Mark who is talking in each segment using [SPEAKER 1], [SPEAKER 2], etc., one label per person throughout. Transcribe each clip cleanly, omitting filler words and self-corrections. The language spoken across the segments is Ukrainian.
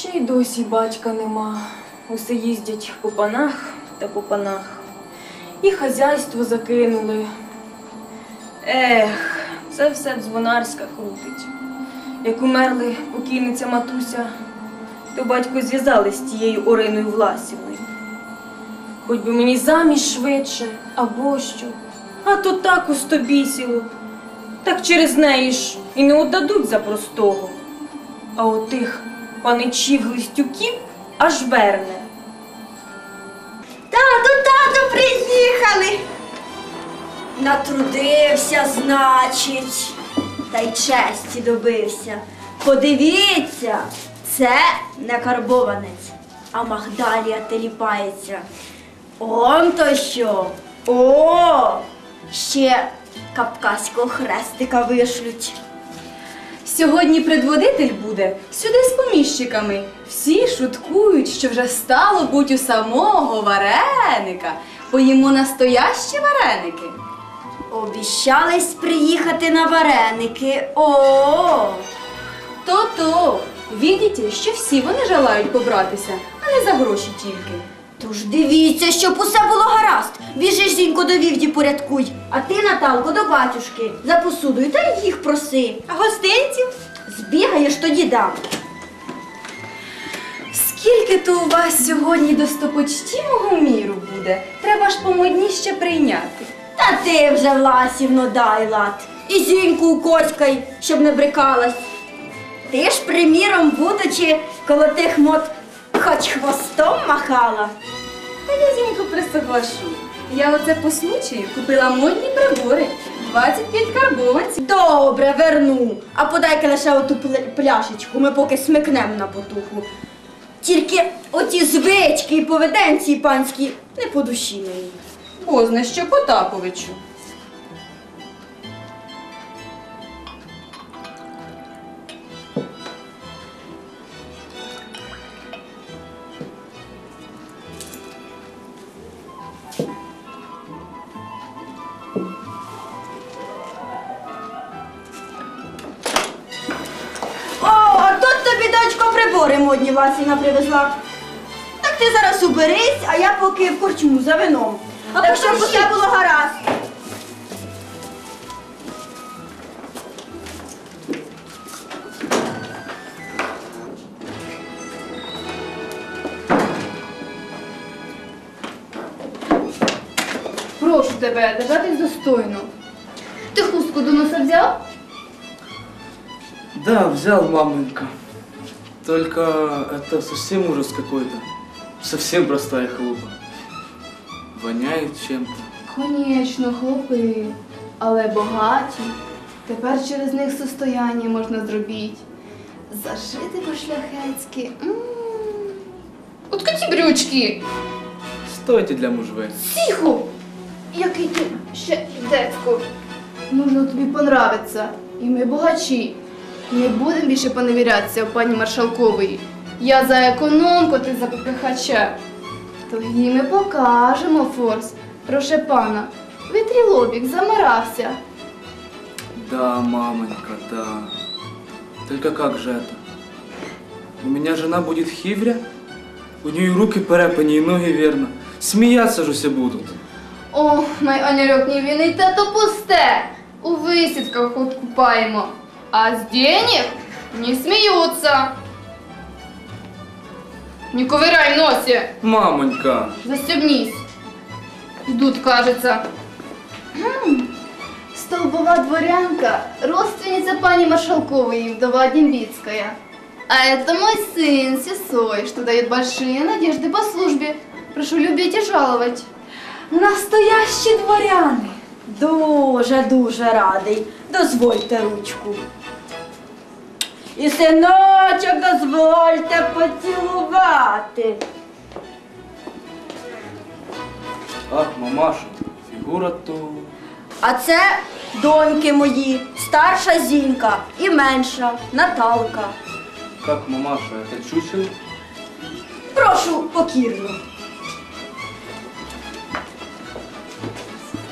[SPEAKER 1] Ще й досі батька нема. Усе їздять по панах та по панах. І хазяйство закинули. Ех, це все дзвонарська крутить. Як умерли покійниця матуся, то батько зв'язали з тією Ориною Власівною. Хоч би мені заміж швидше, або що. А то так устобісіло. Так через неї ж і не отдадуть за простого. А отих паничів-глистюків аж верне.
[SPEAKER 2] Тату, приїхали! Натрудився, значить, та й честі добився. Подивіться, це не карбованець, а Магдалія теліпається. Он то що? О! Ще кавказького хрестика вишлють.
[SPEAKER 3] Сьогодні предводитель буде сюди з поміщиками. Всі шуткують, що вже стало буть у самого вареника. Поїмо настоящі вареники.
[SPEAKER 2] Обіщались приїхати на вареники. О!
[SPEAKER 3] То-то, видите, що всі вони желають побратися, а не за гроші тільки.
[SPEAKER 2] Тож дивіться, щоб усе було гаразд. Біжи, Зінько, до вівді порядкуй. А ти, Наталко, до батюшки за посудою та їх проси. А гостинців збігаєш, тоді дам.
[SPEAKER 3] Скільки то у вас сьогодні достопочтімого міру буде? Треба ж помодніще прийняти.
[SPEAKER 2] Та ти вже, Власівно, дай лад. І Зіньку укоцькай, щоб не брикалась. Ти ж, приміром, будучи коло тих мод, хоч хвостом махала.
[SPEAKER 3] Та я, Зінько, присоглашу. Я оце по случаю купила модні прибори. 25 карбованців.
[SPEAKER 2] Добре, верну. А подай-ка лише оту пляшечку, ми поки смикнемо на потуху. Тільки оті звички і поведенці панські не по душі мені.
[SPEAKER 3] Позна що Потаповичу.
[SPEAKER 2] О, а тут тобі, дочко, прибори модні Васіна привезла. Так ти зараз уберись, а я поки в корчму за вином. А так, щоб усе було гаразд.
[SPEAKER 4] Прошу тебе, держатись достойно. Ти хустку до носа взяв?
[SPEAKER 5] Да, взял, маменька. Только это совсем ужас какой-то. Совсем простая халупа. Воняет чем-то.
[SPEAKER 4] Конечно, хлопи, але богаті. Тепер через них состояння можна зробити. Зашити по-шляхетськи. От ці брючки.
[SPEAKER 5] Стойте для мужвей.
[SPEAKER 4] Тихо! Який ти ще децько. Нужно тобі понравиться. І ми богачі. Не будемо більше поневірятися у пані Маршалкової. Я за економку, ти за попихача. Тоді ми покажемо форс. Проше пана, витрі лобік, замирався.
[SPEAKER 5] Да, маменька, да. Только как же это? У меня жена будет хивря? У нее и руки перепані, и ноги верно. Смеяться же все будут.
[SPEAKER 4] О, май аняльок не винний, та то пусте. У висідках купаємо. А з денег не сміються. Не ковыряй носи.
[SPEAKER 5] Мамонька!
[SPEAKER 4] Застебнись. Идут, кажется. Столбова дворянка, родственница пани Маршалковой, вдова Дембицкая. А это мой сын, Сесой, что дает большие надежды по службе. Прошу любить и жаловать.
[SPEAKER 3] Настоящі дворяни.
[SPEAKER 2] Дуже радий. Дозвольте ручку. І синочок дозвольте поцілувати.
[SPEAKER 5] Ах, мамаша, фигура то...
[SPEAKER 2] А це доньки мої, старша Зінька і менша Наталка.
[SPEAKER 5] Как мамаша, это чучело?
[SPEAKER 2] Прошу покірно.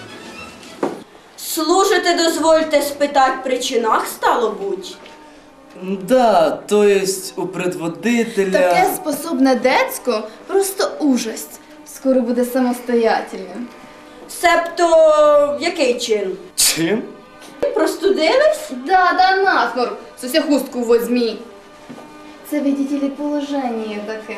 [SPEAKER 2] Служити дозвольте спитать при чинах, стало буть.
[SPEAKER 5] Да, то есть у предводителя...
[SPEAKER 4] Таке способне децько просто ужасть. Скоро буде самостоятельним.
[SPEAKER 2] Себто, який чин?
[SPEAKER 5] Чин?
[SPEAKER 2] Простудились?
[SPEAKER 4] Да, насморк. Сося хустку возьмі. Це, видите ли, положення таке.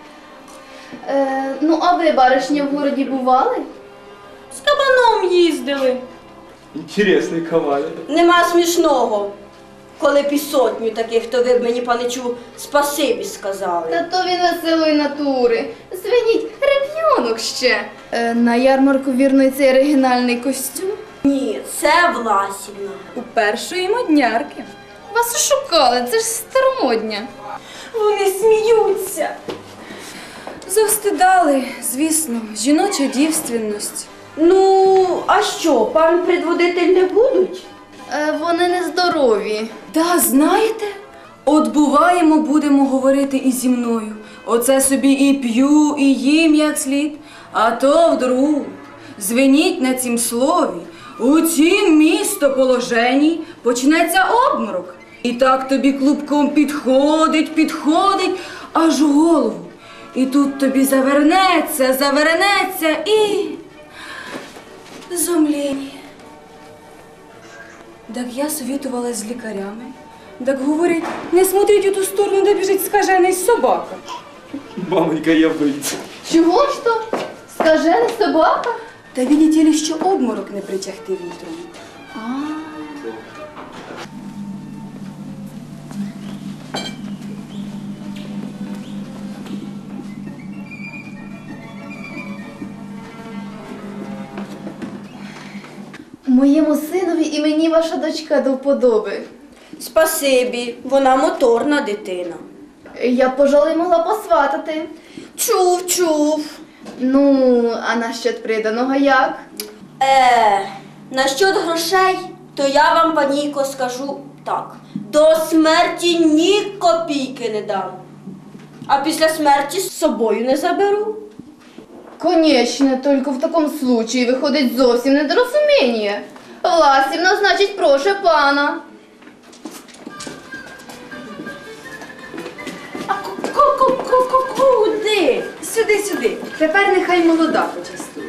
[SPEAKER 4] Ну, а ви, баришня, в городі бували?
[SPEAKER 2] З кабаном їздили.
[SPEAKER 5] Интересный кавалер.
[SPEAKER 2] Нема смішного. Коли б і сотню таких, то ви б мені, паничу, спасибі сказали.
[SPEAKER 4] Та то він веселої натури. Звиніть, реп'йонок ще. На ярмарку вірно і цей оригінальний костюм.
[SPEAKER 2] Ні, це Власівна.
[SPEAKER 3] У першої моднярки.
[SPEAKER 4] Вас шукали, це ж старомодня.
[SPEAKER 1] Вони сміються.
[SPEAKER 3] Завстидали, звісно, жіноча дівственність.
[SPEAKER 2] Ну, а що, пан предводитель не будуть?
[SPEAKER 4] Вони нездорові.
[SPEAKER 3] Да, знаєте? От буваємо, будемо говорити і зі мною. Оце собі і п'ю, і їм як слід. А то вдруг звеніть на цім слові. У цім містоположенні почнеться обморок. І так тобі клубком підходить, аж у голову. І тут тобі завернеться і... зомління. Так я совітувалась з лікарями. Так говорять, не смотріть у ту сторону, де біжить скажений собака.
[SPEAKER 5] Мамонька, я выйду.
[SPEAKER 4] Чого ж то? Скажений собака?
[SPEAKER 3] Та видите ли, що обморок не притягти вітром.
[SPEAKER 4] Моєму синові і мені ваша дочка до вподоби.
[SPEAKER 2] Спасибі, вона моторна дитина.
[SPEAKER 4] Я б, пожалуй, могла посватати.
[SPEAKER 2] Чув.
[SPEAKER 4] Ну, а насчет приданого як?
[SPEAKER 2] Насчет грошей, то я вам, панійко, скажу так. До смерті ні копійки не дам. А після смерті з собою не заберу.
[SPEAKER 4] Конечно, только в таком случае виходить зовсім недорозуміння. Власівна, значить, проше пана.
[SPEAKER 2] Куди?
[SPEAKER 3] Сюди. Тепер нехай молода почастує.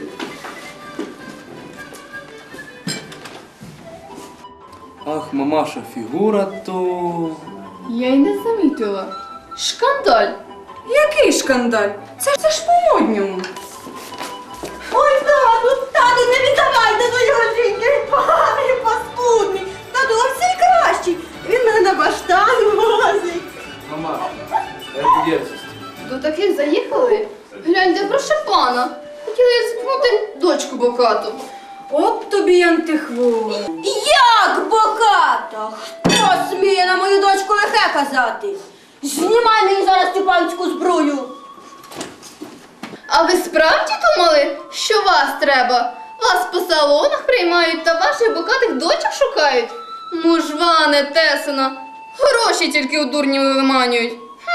[SPEAKER 5] Ах, мамаша, фигура то...
[SPEAKER 4] Я й не замітила. Шкандаль.
[SPEAKER 3] Який шкандаль? Це ж по-модньому.
[SPEAKER 2] Ой, тату, не віддавай до його жінки, поганий, паскудний. Тату, он всій кращий. Він мене на баштан возить.
[SPEAKER 5] Мамаша, это дерзость.
[SPEAKER 4] До таких заїхали? Гляньте, проше пана. Хотіли зіпнути дочку бокату.
[SPEAKER 3] От тобі антихвор.
[SPEAKER 2] Як боката? Хто сміє на мою дочку лихе казати? Знімай мені зараз цю панську зброю.
[SPEAKER 4] А ви справді думали, що вас треба? Вас по салонах приймають та ваших бокатих дочок шукають? Мужване, тесина, гроші тільки у дурні виманюють.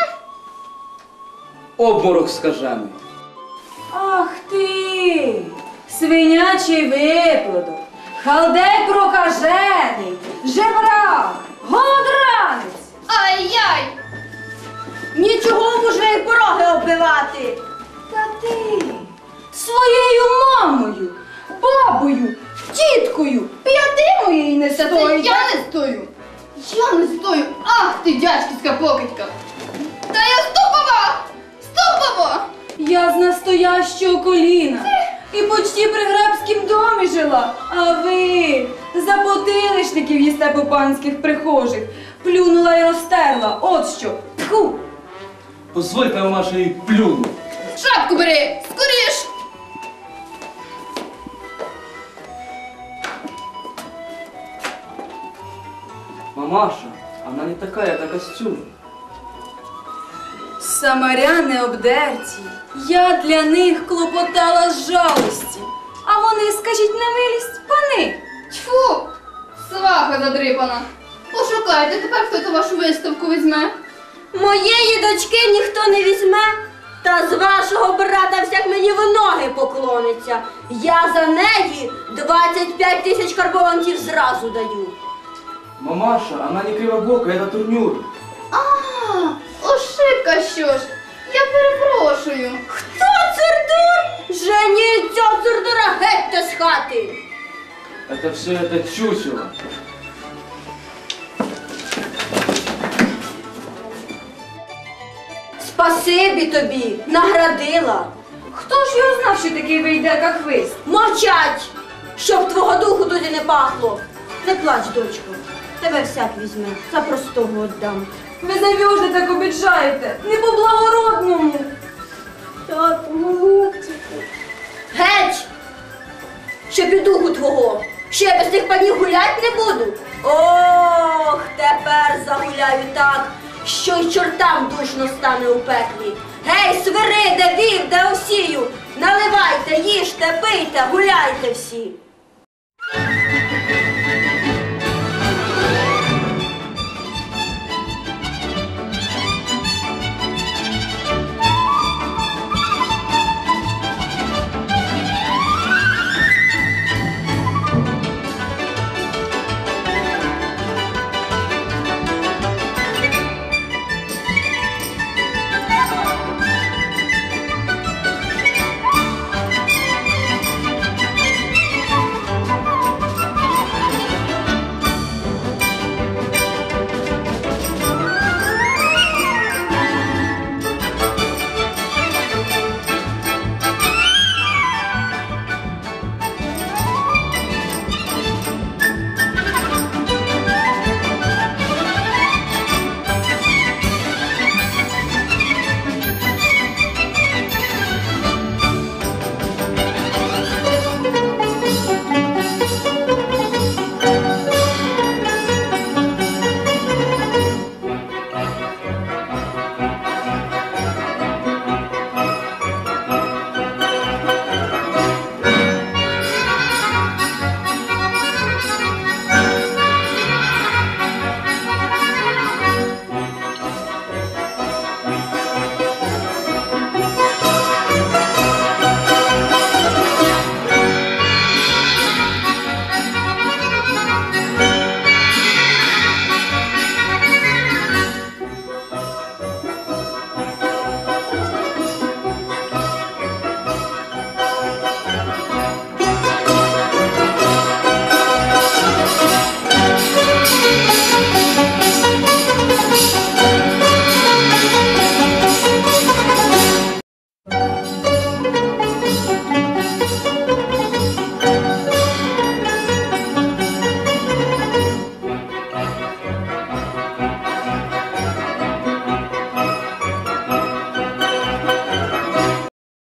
[SPEAKER 5] Обморок скажений.
[SPEAKER 3] Ах ти, свинячий виплодок, халдей прокажений, жебрак, голодранець.
[SPEAKER 4] Ай-яй!
[SPEAKER 2] Нічого вже й пороги оббивати.
[SPEAKER 3] Та ти своєю мамою, бабою, тіткою, п'яти моєї не
[SPEAKER 4] Та це
[SPEAKER 3] стоїть.
[SPEAKER 4] я не стою! Я не стою! Ах ти, дядьківська покидька! Та я ступова! Ступова!
[SPEAKER 3] Я з настоящого коліна і почти при грабськім домі жила, а ви за потилишників їсте по панських прихожих. Плюнула і розтерла, от що. Тьху!
[SPEAKER 5] Позвольте, мамаша, и плюну.
[SPEAKER 4] Шапку бери! Скоріш!
[SPEAKER 5] Мамаша, она не такая, это костюм.
[SPEAKER 3] Самаряни обдерті, я для них клопотала з жалості. А вони, скажіть на милість, пани.
[SPEAKER 4] Тьфу! Сваха задрипана! Пошукайте тепер, хто ту вашу виставку візьме.
[SPEAKER 2] Моєї дочки ніхто не візьме, та з вашого брата всяк мені в ноги поклониться. Я за неї 25 тисяч карбованців зразу даю.
[SPEAKER 5] Мамаша, она не кривобокая, это турнюр.
[SPEAKER 4] А, ошибка що ж. Я перепрошую.
[SPEAKER 2] Хто цирдур? Женіть цього цирдура геть з хати.
[SPEAKER 5] Это все это чучело.
[SPEAKER 2] Спасибі тобі, наградила.
[SPEAKER 1] Хто ж його знав, що такий вийде, як хвист?
[SPEAKER 2] Мовчать, щоб твого духу туди не пахло. Не плач, дочко, тебе всяк візьме, за простого віддам.
[SPEAKER 1] Ви завжди так обіджаєте, не по-благородному.
[SPEAKER 2] Тату, голубчику. Геть! Щоб і духу твого, що я без тих панів гулять не буду. Ох, тепер загуляю так, що й чортам душно стане у пеклі. Гей, свириде, вів, де осію, наливайте, їжте, пийте, гуляйте всі.